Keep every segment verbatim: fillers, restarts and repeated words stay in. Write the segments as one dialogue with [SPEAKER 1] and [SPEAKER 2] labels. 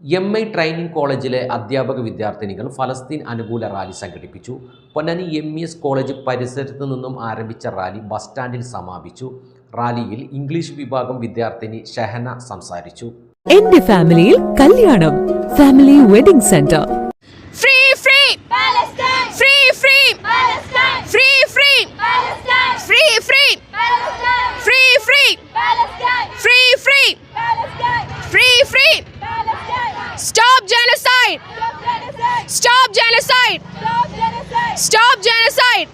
[SPEAKER 1] M I training കോളേജിലെ അധ്യാപക വിദ്യാർത്ഥിനികൾ ഫലസ്തീൻ അനുകൂല റാലി സംഘടിപ്പിച്ചു. Ponnani M E S college പരിസരത്ത് നിന്നും ആരംഭിച്ച റാലി ബസ് സ്റ്റാൻഡിൽ സമാപിച്ചു. റാലിയിൽ ഇംഗ്ലീഷ് വിഭാഗം വിദ്യാർത്ഥിനി ഷഹന സംസാരിച്ചു.
[SPEAKER 2] എന്റെ ഫാമിലിയിൽ കല്യാണം. Family wedding centre.
[SPEAKER 3] Free free Palestine, free free Palestine, free free Palestine, free free Palestine, free free Palestine, free free Palestine, free free Palestine. Stop genocide! Stop genocide! Stop genocide!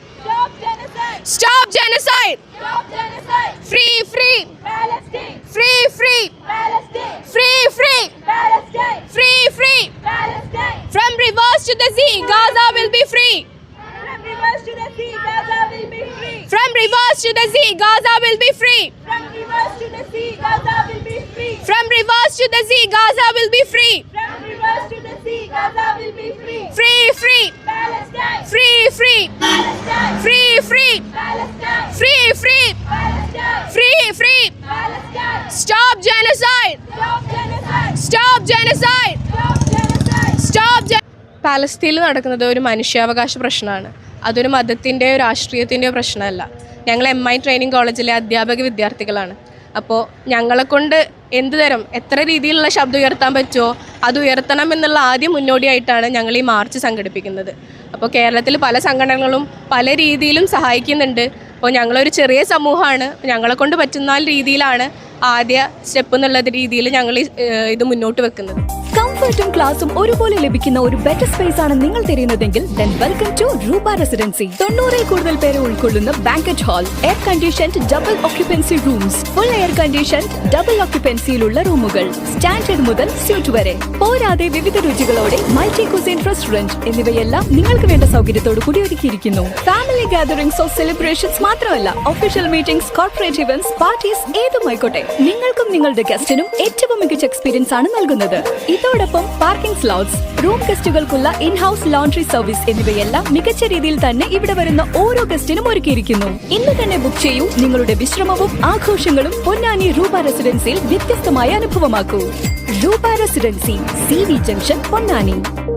[SPEAKER 3] Stop genocide! Free free Palestine! Free free Palestine! Free free Palestine! Free free Palestine! From rivers to the sea, Gaza will be free. From rivers to the sea, Gaza will be free. From rivers to the sea, Gaza will be free. From rivers to the sea, Gaza will be free. From rivers to the sea, Gaza will be free. From rivers to the sea, Gaza will be free. Free free Palestine! Free free Palestine! Free free Palestine! Free free Palestine! Free free Palestine! Stop genocide! Stop genocide! Stop genocide! Stop genocide! Stop genocide! പാലസ്തീനിൽ നടക്കുന്നത് ഒരു മനുഷ്യാവകാശ പ്രശ്നമാണ്. അതൊരു മതത്തിൻ്റെയോ രാഷ്ട്രീയത്തിൻ്റെയോ പ്രശ്നമല്ല. ഞങ്ങൾ M I training കോളേജിലെ അധ്യാപക വിദ്യാർത്ഥികളാണ്. അപ്പോൾ ഞങ്ങളെക്കൊണ്ട് എന്ത് തരം എത്ര രീതിയിലുള്ള ശബ്ദം ഉയർത്താൻ പറ്റുമോ അത് ഉയർത്തണം എന്നുള്ള ആദ്യം മുന്നോടിയായിട്ടാണ് ഞങ്ങൾ ഈ മാർച്ച് സംഘടിപ്പിക്കുന്നത്. അപ്പോൾ കേരളത്തിൽ പല സംഘടനകളും പല രീതിയിലും സഹായിക്കുന്നുണ്ട്. അപ്പോൾ ഞങ്ങളൊരു ചെറിയ സമൂഹമാണ്. ഞങ്ങളെക്കൊണ്ട് പറ്റുന്ന രീതിയിലാണ് ആദ്യ സ്റ്റെപ്പ് എന്നുള്ള രീതിയിൽ ഞങ്ങൾ ഇത് മുന്നോട്ട് വെക്കുന്നത്.
[SPEAKER 2] കംഫർട്ടും ക്ലാസും ഒരുപോലെ ലഭിക്കുന്ന ഒരു ബെറ്റർ സ്പേസ് ആണ് നിങ്ങൾ തിരയുന്നതെങ്കിൽ then welcome to Roopa residency. തൊണ്ണൂറിൽ കൂടുതൽ പേരെ ഉൾക്കൊള്ളുന്ന banquet hall, air conditioned double occupancy rooms, full air conditioned double ഓക്യുപ്പൻസിയിലുള്ള റൂമുകൾ, സ്റ്റാൻഡേർഡ് മുതൽ സ്യൂട്ട് വരെ, പോരാതെ വിവിധ രുചികളോടെ മൾട്ടി കുസിൻ റെസ്റ്റോറന്റ് എന്നിവയെല്ലാം നിങ്ങൾക്ക് വേണ്ട സൗകര്യത്തോടു കൂടി ഒരുക്കിയിരിക്കുന്നു. ഫാമിലി ഗാദറിംഗ്സ് ഓഫ് സെലിബ്രേഷൻസ് മാത്രമല്ല, official meetings, corporate events, parties ഏതുമായിക്കോട്ടെ നിങ്ങൾക്കും നിങ്ങളുടെ ഗസ്റ്റിനും ഏറ്റവും മികച്ച എക്സ്പീരിയൻസ് ആണ് നൽകുന്നത്. ഇതോടൊപ്പം പാർക്കിംഗ് സ്ലോട്ട്സ്, റൂം ഗസ്റ്റുകൾക്കുള്ള ഇൻ ഹൗസ് ലോണ്ടറി സർവീസ് എന്നിവയെല്ലാം മികച്ച രീതിയിൽ തന്നെ ഇവിടെ വരുന്ന ഓരോ ഗസ്റ്റിനും ഒരുക്കിയിരിക്കുന്നു. ഇന്ന് തന്നെ ബുക്ക് ചെയ്യൂ. നിങ്ങളുടെ വിശ്രമവും ആഘോഷങ്ങളും പൊന്നാനി റൂപ റെസിഡൻസിയിൽ വ്യത്യസ്തമായ അനുഭവമാക്കൂ. Roopa residency, C V junction, Ponnani.